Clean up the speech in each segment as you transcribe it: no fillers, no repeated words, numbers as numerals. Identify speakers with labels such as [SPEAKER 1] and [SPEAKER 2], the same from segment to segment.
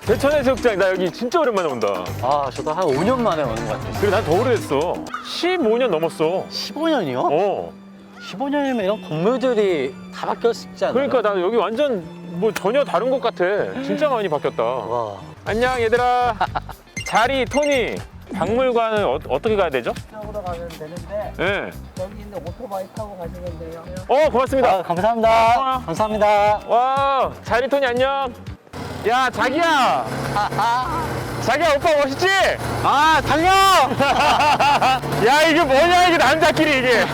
[SPEAKER 1] 대천해수욕장 나 여기 진짜 오랜만에 온다.
[SPEAKER 2] 아, 저도 한 5년 만에 오는 것 같아요.
[SPEAKER 1] 그래 난 더 오래됐어. 15년 넘었어.
[SPEAKER 2] 15년이요?
[SPEAKER 1] 어.
[SPEAKER 2] 15년이면 이런 건물들이 다 바뀌었지 않나요?
[SPEAKER 1] 그러니까 나 여기 완전 뭐 전혀 다른 것 같아. 진짜 많이 바뀌었다.
[SPEAKER 2] 와.
[SPEAKER 1] 안녕 얘들아. 자리 토니. 박물관은 어떻게 가야 되죠?
[SPEAKER 3] 쪽으로 가면 되는데
[SPEAKER 1] 네.
[SPEAKER 3] 여기 있는 오토바이 타고 가시면 돼요.
[SPEAKER 1] 고맙습니다.
[SPEAKER 2] 아, 감사합니다. 감사합니다.
[SPEAKER 1] 와, 자리 토니 안녕. 야, 자기야. 자기야, 오빠 멋있지?
[SPEAKER 2] 아, 달려!
[SPEAKER 1] 야, 이게 뭐냐, 이게 남자끼리 이게.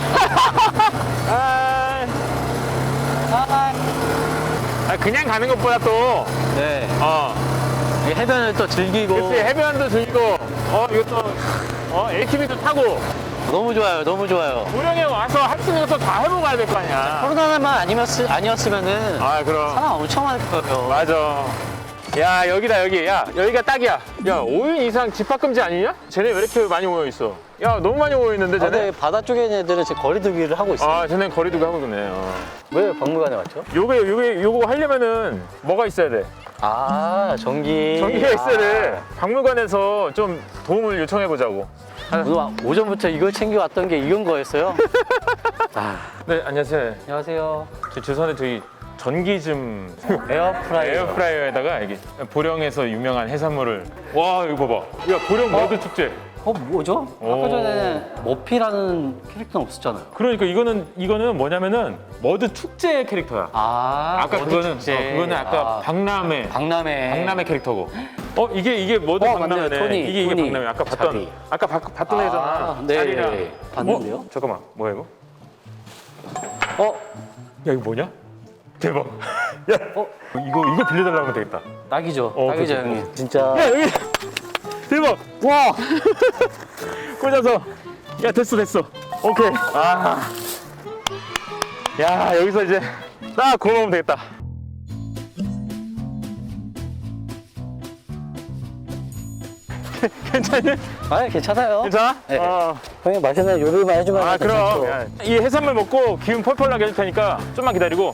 [SPEAKER 1] 그냥 가는 것보다 또,
[SPEAKER 2] 네.
[SPEAKER 1] 어,
[SPEAKER 2] 이 해변을 또 즐기고.
[SPEAKER 1] 그치, 해변도 즐기고, 이것도, ATV도 타고,
[SPEAKER 2] 너무 좋아요, 너무 좋아요.
[SPEAKER 1] 고령에 와서 할 수 있는 것도 다 해보고 가야 될 거 아니야.
[SPEAKER 2] 코로나만 아니었으면은
[SPEAKER 1] 아, 그럼.
[SPEAKER 2] 사람 엄청 많을 거예요.
[SPEAKER 1] 맞아. 야, 여기다, 여기. 야, 여기가 딱이야. 야, 5인 이상 집합금지 아니냐? 쟤네 왜 이렇게 많이 모여있어? 야, 너무 많이 모여있는데, 쟤네?
[SPEAKER 2] 근데 바다 쪽에 있는 애들은 지금 거리두기를 하고 있어요.
[SPEAKER 1] 아, 쟤네 거리 두고 하고 있네.
[SPEAKER 2] 왜 박물관에 왔죠?
[SPEAKER 1] 요거 하려면은 뭐가 있어야 돼?
[SPEAKER 2] 아, 전기.
[SPEAKER 1] 전기가 있어야 돼. 박물관에서 좀 도움을 요청해보자고.
[SPEAKER 2] 오늘 오전부터 이걸 챙겨왔던 게 이건 거였어요? 아,
[SPEAKER 1] 네, 안녕하세요.
[SPEAKER 2] 안녕하세요.
[SPEAKER 1] 죄송한데 저희 전기 좀
[SPEAKER 2] 에어프라이어.
[SPEAKER 1] 에어프라이어에다가 여기 보령에서 유명한 해산물을 와 이거 봐봐. 야 보령 머드 축제.
[SPEAKER 2] 뭐죠?
[SPEAKER 1] 오.
[SPEAKER 2] 아까 전에 머피라는 캐릭터는 없었잖아요.
[SPEAKER 1] 그러니까 이거는 뭐냐면은 머드 축제 캐릭터야. 아까
[SPEAKER 2] 머드
[SPEAKER 1] 그거는
[SPEAKER 2] 축제.
[SPEAKER 1] 그거는 아까 박람회 캐릭터고. 이게 머드 박람회네.
[SPEAKER 2] 맞네요. 토니,
[SPEAKER 1] 이게
[SPEAKER 2] 토니.
[SPEAKER 1] 박람회. 아까
[SPEAKER 2] 자리.
[SPEAKER 1] 봤던 애잖아.
[SPEAKER 2] 네.
[SPEAKER 1] 자리랑.
[SPEAKER 2] 봤는데요?
[SPEAKER 1] 잠깐만 뭐야 이거? 야 이거 뭐냐? 대박. 야 이거 빌려달라고 하면 되겠다.
[SPEAKER 2] 딱이죠.
[SPEAKER 1] 어,
[SPEAKER 2] 딱이죠,
[SPEAKER 1] 그치.
[SPEAKER 2] 형님. 진짜.
[SPEAKER 1] 야 여기 대박.
[SPEAKER 2] 와!
[SPEAKER 1] 꽂아서. 야 됐어. 오케이. 야 여기서 이제 딱 구워 먹으면 되겠다. 괜찮니?
[SPEAKER 2] 괜찮아요.
[SPEAKER 1] 괜찮아?
[SPEAKER 2] 네.
[SPEAKER 1] 어.
[SPEAKER 2] 형님 맛있는 요리만 해주면
[SPEAKER 1] 그럼.
[SPEAKER 2] 괜찮죠.
[SPEAKER 1] 야, 이 해산물 먹고 기운 펄펄 나게 해줄 테니까 좀만 기다리고.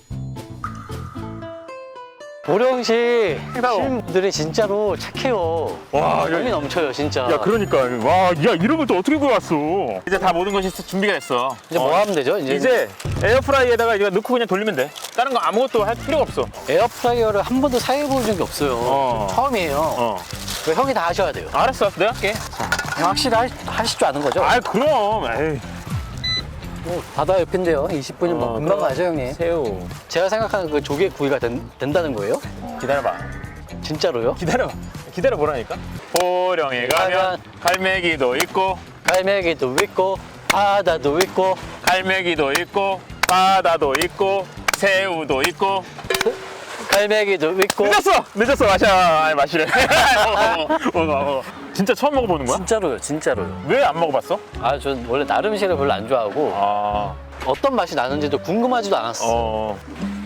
[SPEAKER 2] 보령시
[SPEAKER 1] 행사오.
[SPEAKER 2] 시민분들이 진짜로 착해요.
[SPEAKER 1] 와,
[SPEAKER 2] 정이 넘쳐요, 진짜.
[SPEAKER 1] 야 그러니까 와, 야 이런 걸 또 어떻게 구해왔어? 이제 다 모든 것이 준비가 됐어.
[SPEAKER 2] 이제 뭐 하면 되죠?
[SPEAKER 1] 이제 에어프라이에다가 이거 넣고 그냥 돌리면 돼. 다른 거 아무것도 할 필요가 없어.
[SPEAKER 2] 에어프라이어를 한 번도 사용해본 적이 없어요. 처음이에요.
[SPEAKER 1] 어.
[SPEAKER 2] 그거 형이 다 하셔야 돼요.
[SPEAKER 1] 알았어, 내가 할게.
[SPEAKER 2] 확실히 하실 줄 아는 거죠?
[SPEAKER 1] 그럼. 에이.
[SPEAKER 2] 바다 옆인데요. 20분이면 뭐 금방 가죠, 형님.
[SPEAKER 1] 새우.
[SPEAKER 2] 제가 생각하는 그 조개 구이가 된다는 거예요?
[SPEAKER 1] 기다려봐.
[SPEAKER 2] 진짜로요?
[SPEAKER 1] 기다려보라니까. 보령에 가면 갈매기도 있고,
[SPEAKER 2] 갈매기도 있고 바다도 있고
[SPEAKER 1] 갈매기도 있고, 바다도 있고, 새우도 있고.
[SPEAKER 2] 갈매기도 있고.
[SPEAKER 1] 늦었어. 마시래. 먹어. 진짜 처음 먹어보는 거야?
[SPEAKER 2] 진짜로요.
[SPEAKER 1] 왜 안 먹어봤어?
[SPEAKER 2] 전 원래 나름 음식을 별로 안 좋아하고 어떤 맛이 나는지도 궁금하지도 않았어.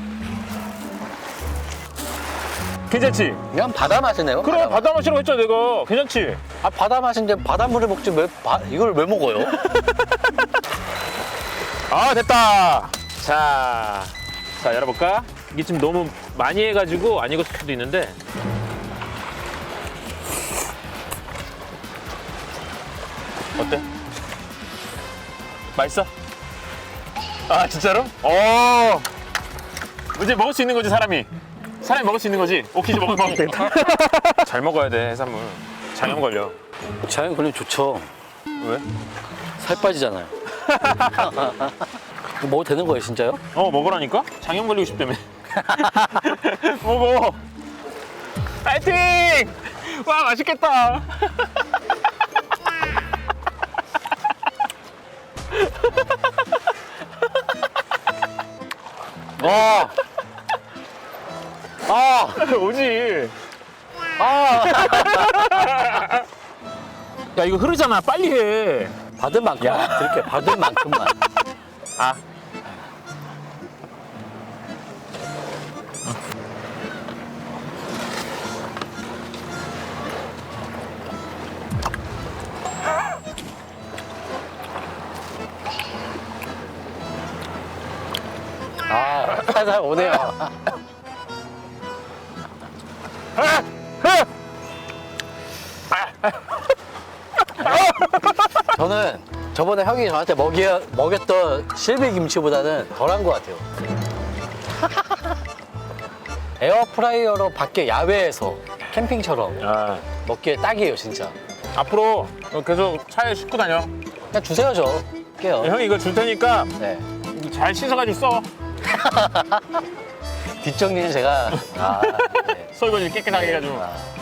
[SPEAKER 1] 괜찮지?
[SPEAKER 2] 그냥 바다 맛이네요.
[SPEAKER 1] 그래, 바다 맛이라고 했잖아, 내가. 괜찮지?
[SPEAKER 2] 바다 맛인데 바닷물을 먹지 이걸 왜 먹어요?
[SPEAKER 1] 됐다. 자, 열어볼까? 이게 지금 너무 많이 해가지고 안 익었을 수도 있는데. 어때? 맛있어? 진짜로? 이제 먹을 수 있는 거지, 사람이 먹을 수 있는 거지? 오케이, 이제 먹으면 되겠다. 잘 먹어야 돼, 해산물. 장염 걸려.
[SPEAKER 2] 자연 걸리면 좋죠.
[SPEAKER 1] 왜?
[SPEAKER 2] 살 빠지잖아요. 먹어도 되는 거예요, 진짜요?
[SPEAKER 1] 먹으라니까? 장염 걸리고 싶다며. 먹어. 파이팅! 와, 맛있겠다. 오지. 야, 이거 흐르잖아. 빨리 해.
[SPEAKER 2] 받은 만큼 그렇게 받은 만큼만.
[SPEAKER 1] 아,
[SPEAKER 2] 살살 오네요. 저는 저번에 형이 저한테 먹였던 실비 김치보다는 덜한 것 같아요. 에어프라이어로 밖에 야외에서 캠핑처럼
[SPEAKER 1] 아,
[SPEAKER 2] 먹기에 딱이에요, 진짜.
[SPEAKER 1] 앞으로 계속 차에 싣고 다녀.
[SPEAKER 2] 그냥 주세요, 저. 할게요.
[SPEAKER 1] 형이 이거 줄 테니까
[SPEAKER 2] 네.
[SPEAKER 1] 잘 씻어가지고 써.
[SPEAKER 2] 뒷정리는 제가. 네.
[SPEAKER 1] 설거지 깨끗하게 해가지고.
[SPEAKER 2] 아.